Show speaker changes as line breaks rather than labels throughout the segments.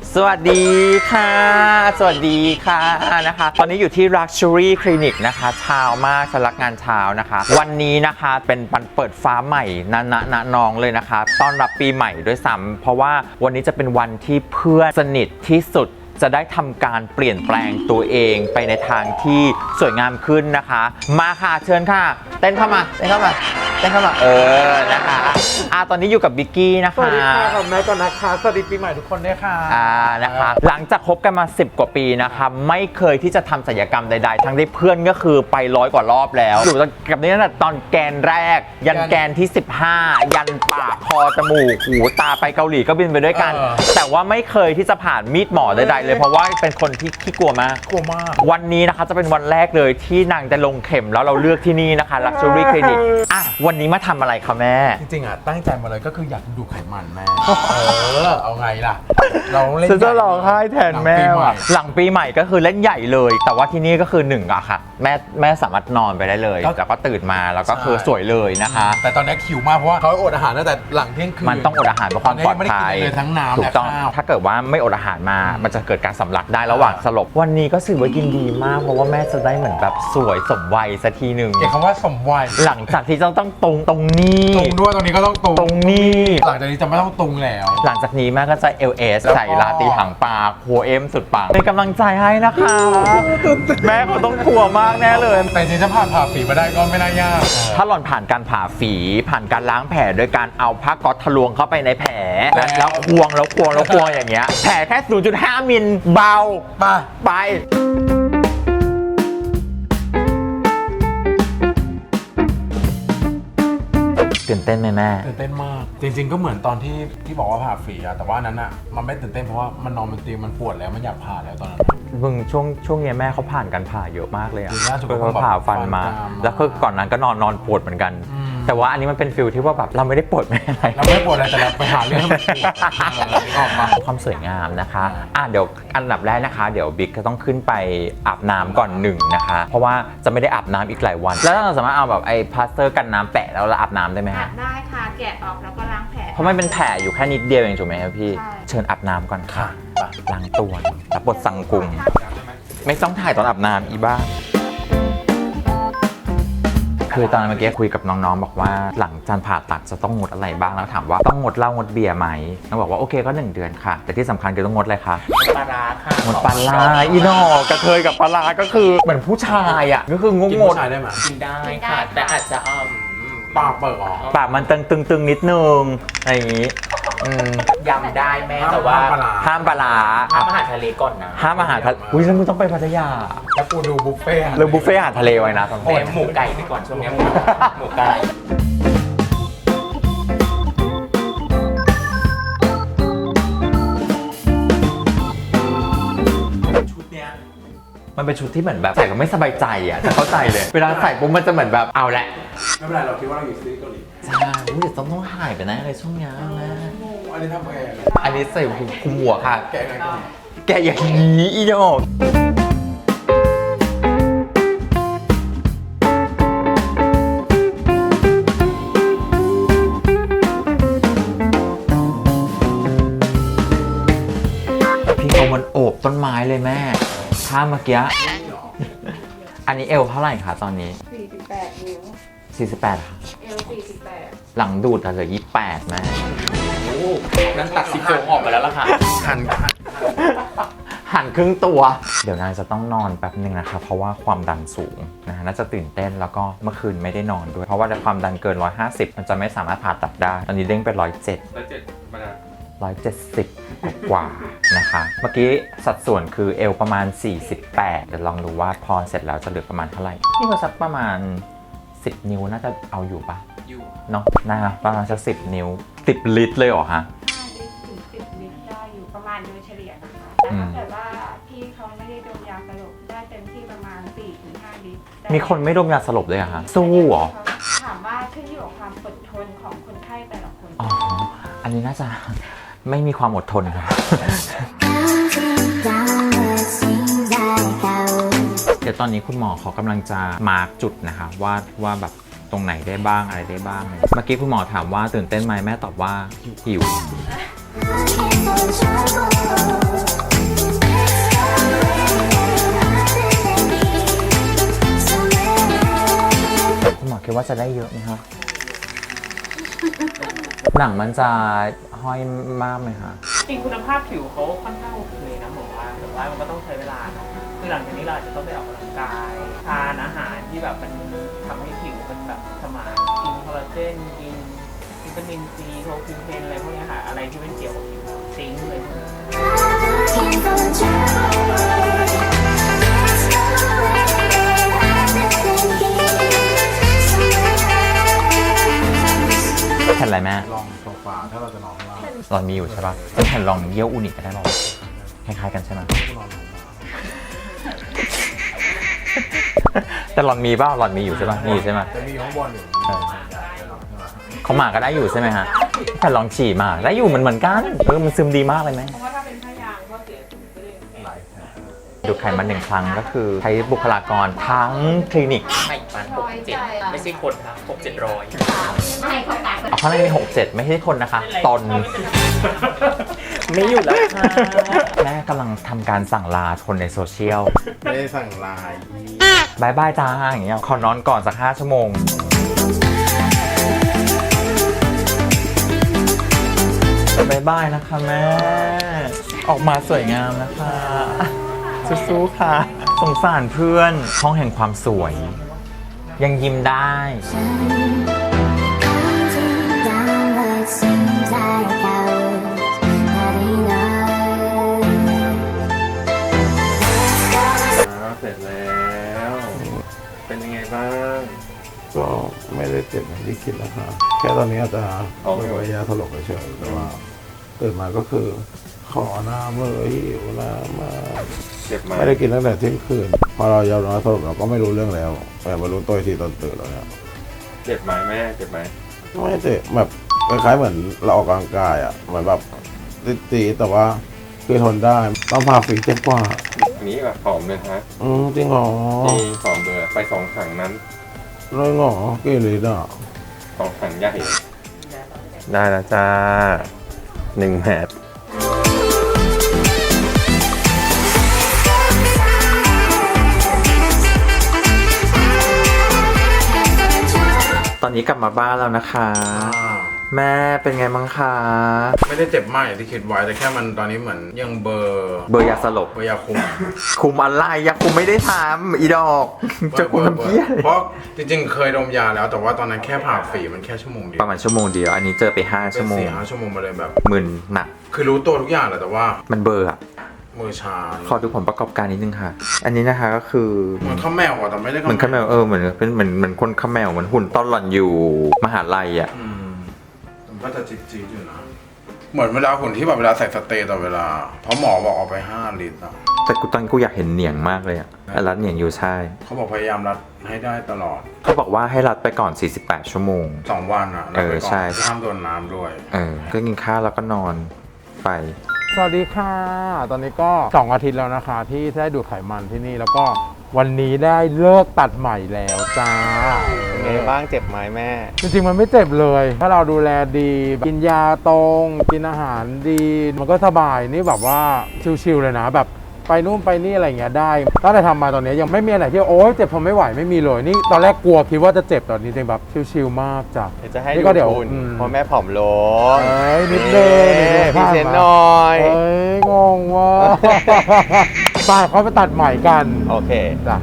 สวัสดีค่ะสวัสดีค่ะนะคะตอนนี้อยู่ที่ Luxury Clinic นะคะเช้ามากสำนักงานเช้านะคะวันนี้นะคะเป็นวันเปิดฟ้าใหม่ณน้องเลยนะคะต้อนรับปีใหม่ด้วยซ้ำเพราะว่าวันนี้จะเป็นวันที่เพื่อนสนิทที่สุดจะได้ทำการเปลี่ยนแปลงตัวเองไปในทางที่สวยงามขึ้นนะคะมาค่ะเชิญค่ะเต้นเข้ามานะคะตอนนี้อยู่กับบิกกี้นะคะ
สวัสดีค่ะขอบคุณก่อนนะคะสวัสดีปีใหม่ทุกคนด้วยค่ะ
นะคะหลังจากคบกันมา10 กว่าปีนะคะไม่เคยที่จะทำศัลยกรรมใดๆทั้งที่เพื่อนก็คือไป100 กว่ารอบแล้วอยู่กับนี้ตั้งแต่ตอนแกนแรกยันแกนที่15ยันปากคอจมูกหูตาไปเกาหลีก็บินไปด้วยกันแต่ว่าไม่เคยที่จะผ่านมีดหมอใดๆเลยเพราะว่าเป็นคนที่ขี้กลัวมากวันนี้นะคะจะเป็นวันแรกเลยที่นางจะลงเข็มแล้วเราเลือกที่นี่นะคะ Luxury Clinic วันนี้มาทำอะไรคะแม่
จริงๆตั้งใจมาเลยก็คืออยากดูไขมันแม่เอาไงล่ะเราเล่น
ฉันจะร้องไห้แทนแม่หลังปีใหม่ก็คือเล่นใหญ่เลยแต่ว่าที่นี่ก็คือ1อะค่ะแม่สามารถนอนไปได้เลยแต่ก็ตื่นมาแล้วก็คือสวยเลยนะคะ
แต่ตอนนี้หิวมากเพราะว่าเขาอดอาหารตั้งแต่หลังเที่ยงคืน
มันต้องอดอาหารเพื่อความปลอดภัย
ทั้งน้ำ
ถูกต้องถ้าเกิดว่าไม่อดอาหารมามันจะเกิดการสำลักได้ระหว่างสลบวันนี้ก็สื่อว่ายินดีมากเพราะว่าแม่จะได้เหมือนแบบสวยสมวัยสักทีหนึ่ง
เกี่ยวกับว่าสมวัย
หลังจากที่ต้องตรงนี้
ตรงด้วยตรงนี้ก็ต้องตรง
นี้
หลังจากนี้จะไม่ต้องตรงแล้ว
หลังจากนี้แม่ก็จะ LS ใส่ลาตีหางปากหัวเอ็มสุดปังเป็นกำลังใจให้นะคะแม่เขาต้องกลัวมากแน่เลย
แต่จริงๆถ้าผ่าฝีมาได้ก็ไม่น่ายาก
ถ้าหล่อนผ่านการผ่าฝีผ่านการล้างแผลโดยการเอาผ้าก๊อซทะลวงเข้าไปในแผลแล้วควงอย่างเงี้ยแผลแค่ 0.5 มิลเบาไปตื่นเต้นไหมแม่
ตื่นเต้นมากจริงๆก็เหมือนตอนที่บอกว่าผ่าฝีแต่ว่านั้นมันไม่ตื่นเต้นเพราะว่ามันนอนบนเตียงมันปวดแล้วมันอยากผ่าแล้วตอนนั้น
มึงช่วงนี้แม่เขาผ่านการผ่าเยอะมากเลย
เขา
ผ่าฟันมาแล้วก็ก่อนนั้นก็นอนปวดเหมือนกันแต่ว่าอันนี้มันเป็นฟิลที่ว่าแบบเราไม่ได้ปวดไม่อะไร
เราไม่ปวดอะไรแต่เราไปหาเรื่อง
ความสวยงามนะคะเดี๋ยวอันดับแรกนะคะเดี๋ยวบิ๊กก็ต้องขึ้นไปอาบน้ำก่อน1นะคะเพราะว่าจะไม่ได้อาบน้ำอีกหลายวันแล้วเราสามารถเอาแบบไอ้พลาสเตอร์กันน้ำแปะแล้วอาบน้ำได้ไหม
อาบได้ค่ะแกะออกแล้วก็ล้างแผล
เพราะมันเป็นแผลอยู่แค่นิดเดียวเองถูกไหมครับพี่เชิญอาบน้ำก่อนค่ะล้างตัวรับบทสังกุมไม่ต้องถ่ายตอนอาบน้ำอีบ้าคือตอนเมื่อกี้คุยกับน้องๆบอกว่าหลังจากผ่าตัดจะต้องงดอะไรบ้างแล้วถามว่าต้องงดเหล้างดเบียร์ไหมน้องบอกว่าโอเคก็1 เดือนค่ะแต่ที่สำคัญคือต้องงดอะไรคะ
ปลาร้าค่ะ
งดปลาร้าอีนอกระเทยกับปลาร้าก็คือเหมือนผู้ชายอ่ะก็คืองด
ผู้ชายได้ไหม
กินได้ค่ะแต่อาจจะ
ปากเปิดออก
ปากมันตึงนิดนึงอะไรอย่างนี้
ยำได้แม่แต่ว่า
ห้ามปลาร้า
ห้ามอาหารทะเลก่อนนะ
ห้ามอาหารทะเลอุ้ยแล้วมึงต้องไปพัทยา
แล้วกูดูบุฟเฟ่
เรื่องบุฟเฟ่อาหารทะเลไว้นะ
ตอนนี้หมูไก่ไปก่อนช่วงนี้หมูไก่
มันเป็นชุดที่เหมือนแบบใส่ก็ไม่สบายใจอ่ะจะเข้าใจเลยเวลาใส่ปุ๊บมันจะเหมือนแบบเอาแหละ
ไม่เป็นไรเราคิดว่าเราอยู่ซีรีส์เกาหลี
ใช่เดี๋ยวต้องหายไปนะอะไรช่วงนี้นะ
อันนี้ทำไง
อันนี้ใส่คุมหัวค่ะแกอย่างนี้อีดอกพี่เขามันโอบต้นไม้เลยแม่ถ้าเมื่อกี้อันนี้เอวเท่าไหร่คะตอนนี้
48 นิ้ว
48ค่ะ
เอว48
หลังดูดเหลือ28แม่
โอ้นั้นตัดซี่โครงออกไปแล้วล่ะค่ะ
หันครึ่งตัวเดี๋ยวนางจะต้องนอนแป๊บนึงนะคะเพราะว่าความดันสูงนะน่าจะตื่นเต้นแล้วก็เมื่อคืนไม่ได้นอนด้วยเพราะว่าความดันเกิน150มันจะไม่สามารถผ่าตัดได้ตอนนี้เด้งไป170กว่านะคะเมื่อกี้สัดส่วนคือเอวประมาณ48เดี๋ยวลองดูว่าพอเสร็จแล้วจะเหลือประมาณเท่าไหร่นี่ก็สักประมาณ10 นิ้วน่าจะเอาอยู่ปะ
อยู่
เนาะนะคะประมาณสัก10 นิ้ว10 ลิตรเลยเหรอฮะ
ถึง10 ลิตรได้อยู่ประมาณโดยเฉลี่ยนะคะแต่ถ้าเกิดว่าพี่เขาไม่ได้ดมยาสลบได้เต็มที่ประมาณ 4-5 ลิตร
มีคนไม่ดมยาสลบเลยอะฮะสู้เหรอ
ถามว่าขึ้นอยู่กับความอดทนของคนไข้แต่ละคน
อ๋ออันนี้น่าจะไม่มีความอดทนครับเดี๋ยวตอนนี้คุณหมอเขากำลังจะมาร์กจุดนะคะว่าแบบตรงไหนได้บ้างอะไรได้บ้างเมื่อกี้คุณหมอถามว่าตื่นเต้นไหมแม่ตอบว่าหิวว่าจะได้เยอะไหมคะหนังมันจะห้อยมากไหมคะ
จริงคุณภาพผิวเขาค่อนข้างโอเคนะผมว่าแต่ว่ามันก็ต้องใช้เวลาเนอะคือหลังจากนี้เราอาจจะต้องไปออกกำลังกายทานอาหารที่แบบมันทำให้ผิวมันแบบสมานกินคอลลาเจนกินวิตามินซีโทคิวเทนอะไรพวกเนี้ยค่ะอะไรที่เป็นเกี่ยวกับผิวซิงค์เลย
แผ่นอะไรแม่
ลองโซฟาถ้าเราจะนอนข้างล่าง
หลอนมีอยู่ใช่ปะเป็นแผ่นรองเยี่ยวอูนิกก็ได้ป่าวคล้ายๆกันใช่ไหม
ก็นอนลงมา
แต่หลอนมีป่ะหลอนมีอยู่ใช่ปะมีอยู่ใช่ไหม
จะมีข้างบนอยู่
เขาหมาก็ได้อยู่ใช่ไหมฮะแผ่นรองฉี่มาได้อยู่เหมือนกันมันซึมดีมากเลยไหม
เพราะว่าถ้าเป็นผ้ายางก็เสียถุงไปเลย
หลายแผล
ดูดไขมัน1 ครั้งก็คือใช้บุคลากรทั้งคลินิก
ไม่มัน6-7ไม่ใช่คนครับ6-700
เอาข้างในมี6-7 ไม่ใช่คนนะคะ ตน
ไม่อยู่แล้วค่ะ
แม่กำลังทำการสั่งลาคนในโซเชียล
ไม่ได้สั่งลาย
บายบายจ้าอย่างเงี้ยขอนอนก่อนสัก5 ชั่วโมงบายบายนะคะแม่ ออกมาสวยงามนะคะสู้ๆค่ะ สงสารเพื่อนห้องแห่งความสวย ยังยิ้มได้
เสร็จแล้ว เป็นยังไงบ้าง
ก็ไม่ได้เจ็บอย่างที่คิดนะคะแค่ตอนนี้อาจจะไม่ยาถลกเฉยๆแต่ว่าตื่นมาก็คือขอน้ำเลยหิวน้ำมา
เจ็บไหม
ไม่ได้กินตั้งแต่เที่ยงคืนพอเรายาวนอนสรุปเราก็ไม่รู้เรื่องแล้วแต่มารู้ตัวอีกทีตอนตื่นแล้วเนี่ย
เจ็บไหมแม่ เจ็บไหม
ไม่เจ็บแบบคล้ายๆเหมือนเราออกกำลังกายอ่ะเหมือนแบบตีๆแต่ว่าคือทนได้ต้องพาฝีเจ็บกว่า
อันนี้แบบผอมเลยฮะ
จริงเหรอ
จริงผอมเลยไป2 ถังนั้น
เลยเหรอกี่ลิตรอ่ะ
2 ถังใหญ่ ได้แล้วจ้า1 แมตร
ตอนนี้กลับมาบ้านแล้วนะคะ แม่เป็นไงบ้างคะ
ไม่ได้เจ็บมากอย่างที่คิดไว้แต่แค่มันตอนนี้เหมือนยังเบอร์
เบอร์ยาสลบ
เบอร์ยาคุม
คุมอะไรยาคุมไม่ได้ทำอีดอกจะคุมน้ำเพี้ย
เพราะจริงๆเคยดมยาแล้วแต่ว่าตอนนั้นแค่ผ่าฝีมันแค่ชั่วโมงเดียว
ประมาณชั่วโมงเดียว อันนี้เจอไป5 ชั่วโมง
เป็น4-5 ชั่วโมงมาเลยแบบ
มึนหนัก
คือรู้ตัวทุกอย่างแหละแต่ว่า
มันเบอร์อะ
มือชา
ขอดูผลประกอบการนิดนึงค่ะ อันนี้นะคะก็คือ
เหมือนข้าวแมวอ่ะแต่ไม่ได้
เหมือนขมแมวเหมือนเป็นเหมือนคนขมแมวเหมือนหุ่นตอนหล่อนอยู่มหาลัยอ่ะ
มันก็จะจี๊ดๆอยู่นะเหมือนเวลาหุ่นที่แบบเวลาใส่สเตย์ต่อเวลาเพราะหมอบอกเอาไป5 ลิตรอ่ะ
แต่กูตอนกูอยากเห็นเหนียงมากเลยอ่ะรัดเหนียงอยู่ใช่
เขาบอกพยายามรัดให้ได้ตลอด
เขาบอกว่าให้รัดไปก่อน48 ชั่วโมง
2 วันอ่ะ
เออใช่
ห้ามโดนน้ำด้วย
ก็กินข้าวแล้วก็นอนไป
สวัสดีค่ะ ตอนนี้ก็ 2 อาทิตย์แล้วนะคะ ที่ได้ดูดไขมันที่นี่แล้วก็วันนี้ได้เลิกตัดใหม่แล้วจ้า
เป็นไงบ้าง เจ็บไหมแม่
จริงๆมันไม่เจ็บเลย ถ้าเราดูแลดี กินยาตรง กินอาหารดี มันก็สบายนี่แบบว่าชิลๆเลยนะแบบไปนู่นไปนี่อะไรอย่างเงี้ยได้ตั้งแต่ทำมาตอนนี้ยังไม่มีอะไรที่โอ๊ยเจ็บทนไม่ไหวไม่มีเลยนี่ตอนแรกกลัวคิดว่าจะเจ็บตอนนี้จริงแบบชิลๆมากจ้ะ
เดี๋ยวจะให้
นี่
ดู
ก็เดี๋ยว
คุณ
อืม
เพราะแม่ผอมลง
เอ้ยนิดนึง
พรีเซนต์หน่อย
เอ้ยงงว่า ป้าเขาไปตัดใหม่กัน
โอเค
จ้ะ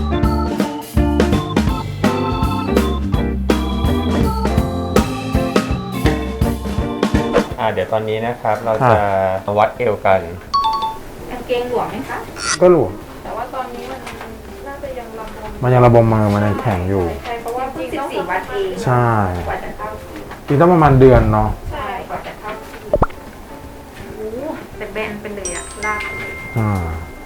เดี๋ยวตอนนี้นะครับเราจะวัดเอวกัน
กางเกงหลวมไหมคะ
ก็หลวม
แต่ว่าตอนนี้มันน่าจะยังระบม
มันยังระบมมามันยังแข็งอยู่
ใช่เพราะว่าเพิ่ง14 วันเอง
ใช่
กว่าจะเข้าที่
จริงต้องประมาณเดือนเนาะ
ใช่กว่าจะเข้าที่โอ้แต่แบนไปเลยอะลากไปเลย
อ่า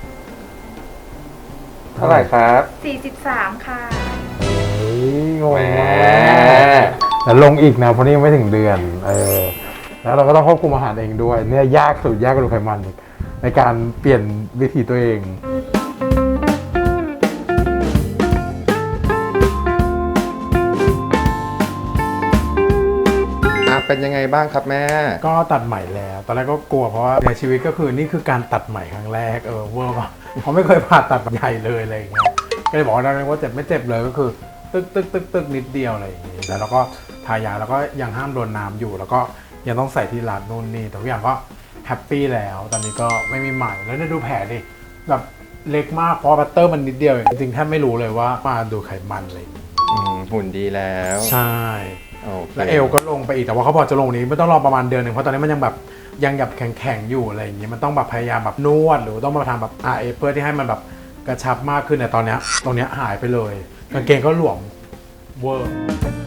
เท่าไหร่ครับ
43 ค่ะ
เฮ้ยงง
แหม
มากแต่ลงอีกนะเพราะนี่ยังไม่ถึงเดือนแล้วเราก็ต้องควบคุมอาหารเองด้วยเนี่ยยากสุดยากกว่าดูไขมันอีกในการเปลี่ยนวิถีตัวเอง
เป็นยังไงบ้างครับแม่
ก็ตัดใหม่แล้ว ตอนแรกก็กลัวเพราะว่าในชีวิตก็คือนี่คือการตัดใหม่ครั้งแรกเวอร์ป่ะเพราะไม่เคยผ่าตัดใหญ่เลยอะไรอย่างเงี้ยก็เลยบอกว่าเจ็บไม่เจ็บเลยก็คือตึกนิดเดียวอะไรอย่างงี้แล้วเราก็ทายาแล้วก็ยังห้ามโดนน้ำอยู่ แล้วก็ยังต้องใส่ที่รัดนู่นนี่แต่ทุกอย่างก็แฮปปี้แล้วตอนนี้ก็ไม่มีใหม่แล้วเนี่ยดูแผลดิแบบเล็กมากเพราะบัตเตอร์มันนิดเดียวเองจริงๆแทบไม่รู้เลยว่ามาดูไขมันอะไรอย่างงี้
หุ่นดีแล้ว
ใช่
โอเค
แล้วเอวก็ลงไปอีกแต่ว่าเขาบอกจะลงนี้ไม่ต้องรอประมาณเดือนหนึ่งเพราะตอนนี้มันยังแบบยังแบบแข็งๆอยู่อะไรอย่างงี้มันต้องแบบพยายามแบบนวดหรือต้องมาทำแบบRFเพื่อที่ให้มันแบบกระชับมากขึ้นแต่ตอนเนี้ยตรงเนี้ยหายไปเลยกางเกงก็หลวมเวอร์